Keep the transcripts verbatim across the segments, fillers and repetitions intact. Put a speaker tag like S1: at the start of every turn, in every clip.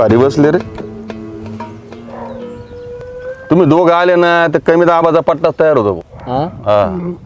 S1: भारी बसले रे. तुम्ही दोघं आले ना तर कमी दाबाचा पट्टा तयार होतो. हा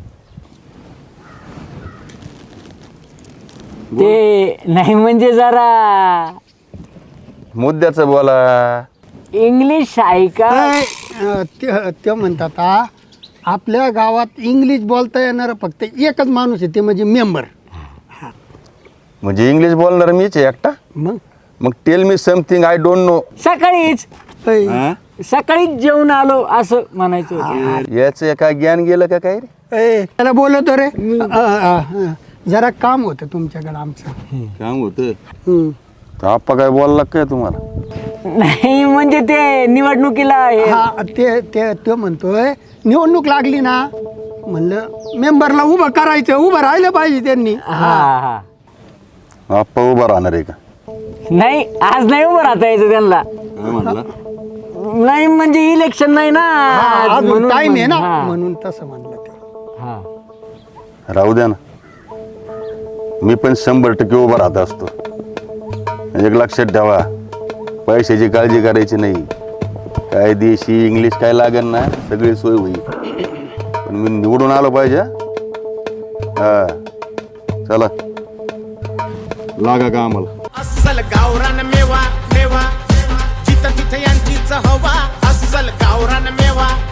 S2: ते नाही म्हणजे जरा
S1: मुद्द्याचं बोला.
S2: इंग्लिश आहे का?
S3: काय, अं, ते ते म्हणतात आ, आपल्या गावात इंग्लिश बोलता येणार फक्त एकच माणूस आहे, ते म्हणजे मेंबर.
S1: म्हणजे इंग्लिश बोलणार मीच आहे एकटा.
S3: मग
S1: मग tell me something I don't know.
S2: सकाळीच
S3: ऐ,
S2: सकाळीच जेवून आलो असं म्हणायचं होतं.
S1: याचं काय ज्ञान गेलं का काय रे?
S3: ऐ, त्याला बोलवतो रे. अं, अं, अं, जरा काम होतं तुमच्याकडे आमचं.
S1: काम होतं.
S3: हं.
S1: तर आप्पा काय बोलला काय तुम्हाला?
S2: नाही म्हणजे ते निवडणुकीला हे-
S3: हा ते ते तो म्हणतोय निवडणूक लागली ना, म्हणलं मेंबरला उभं करायचं, उभं राहिलं पाहिजे त्यांनी.
S2: हा हा
S1: आप्पा उभा राहणार आहे का?
S2: नाही आज नाही उभं राहता यायचं त्यांना.
S1: काय म्हणला?
S2: नाही म्हणजे इलेक्शन नाही ना
S3: हा, अजून
S2: म्हणून
S3: टाइम आहे ना,
S2: हा.
S3: म्हणून तसं म्हणलं ते.
S2: हा.
S1: राहू द्या ना. मी पण शंभर टक्के उभा राहत असतो. एक लक्षात ठेवा, पैशाची काळजी करायची नाही. काय देशी इंग्लिश काय लागेल ना, सगळी सोय होईल. पण मी निवडून आलो पाहिजे. हा चला लागा का आम्हाला.
S4: अस्सल गावरान मेवा मेवा जिथं तिथं यांचीच हवा अस्सल गावरान मेवा